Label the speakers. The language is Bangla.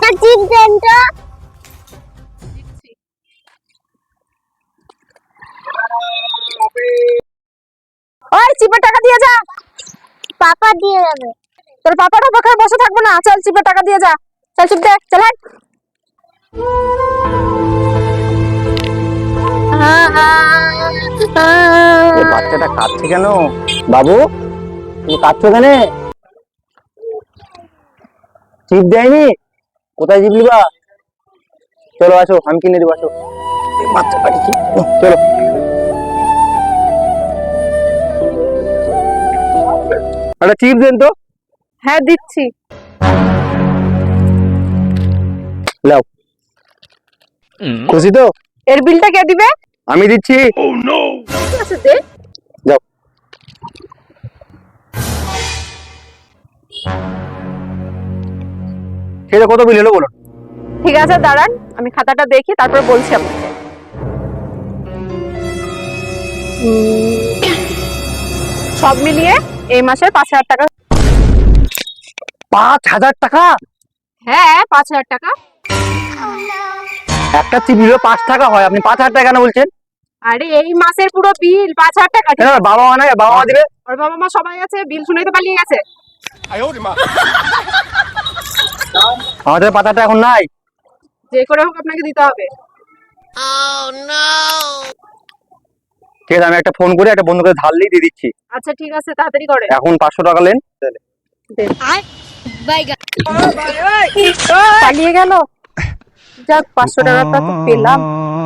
Speaker 1: একটা চিপ দেন তো।
Speaker 2: ওই চিপের টাকা দিয়ে যা।
Speaker 1: পাপা দিয়ে যাবে।
Speaker 2: তোর পাপাটা পাখায় বসে থাকবো না, চল চিপের টাকা দিয়ে যা। চল চিপ দে, চল হাট।
Speaker 3: বাচ্চাটা কাঁদছে কেন? বাবু তুমি কাঁদছো কেন? চিপ দেয়নি? কোথায় চিপ নিবা? চলো আসো, আমি কিনে দেবো, আসো। বাচ্চাটা কি চলো। একটা চিপ দেন তো।
Speaker 2: হ্যাঁ দিচ্ছি।
Speaker 3: লাও, খুশি তো?
Speaker 2: এর বিলটা কে দিবে?
Speaker 3: আমি দিচ্ছি।
Speaker 2: ঠিক আছে দে।
Speaker 3: যাও। সেটা কত বিল হলো বলো?
Speaker 2: ঠিক আছে দাঁড়ান, আমি খাতাটা দেখি তারপর বলছি আপনাকে। সব মিলিয়ে এই মাসে 5,000 টাকা।
Speaker 3: 5,000 টাকা?
Speaker 2: হ্যাঁ 5,000 টাকা।
Speaker 3: একটা চিপ নিলে 5 টাকা হয়, আপনি 5,000 টাকা কেন বলছেন?
Speaker 2: আরে এই মাসের পুরো বিল 5,000 টাকা। ঠিক আছে?
Speaker 3: বাবা মা নাই, বাবা মা দিবে।
Speaker 2: ওর বাবা মা সবাই আছে, বিল শুনেই তো পালিয়ে গেছে।
Speaker 3: আমাদের 5,000 টাকা এখন নাই।
Speaker 2: যে করে হোক আপনাকে দিতে হবে।
Speaker 3: ঠিক আছে, আমি একটা ফোন করে একটা বন্ধুকে ধার দিয়ে দিচ্ছি।
Speaker 2: আচ্ছা ঠিক আছে, তাড়াতাড়ি করে।
Speaker 3: এখন 500 টাকা নেন।
Speaker 2: পালিয়ে গেল। যাক 500 টাকাটা তো পেলাম।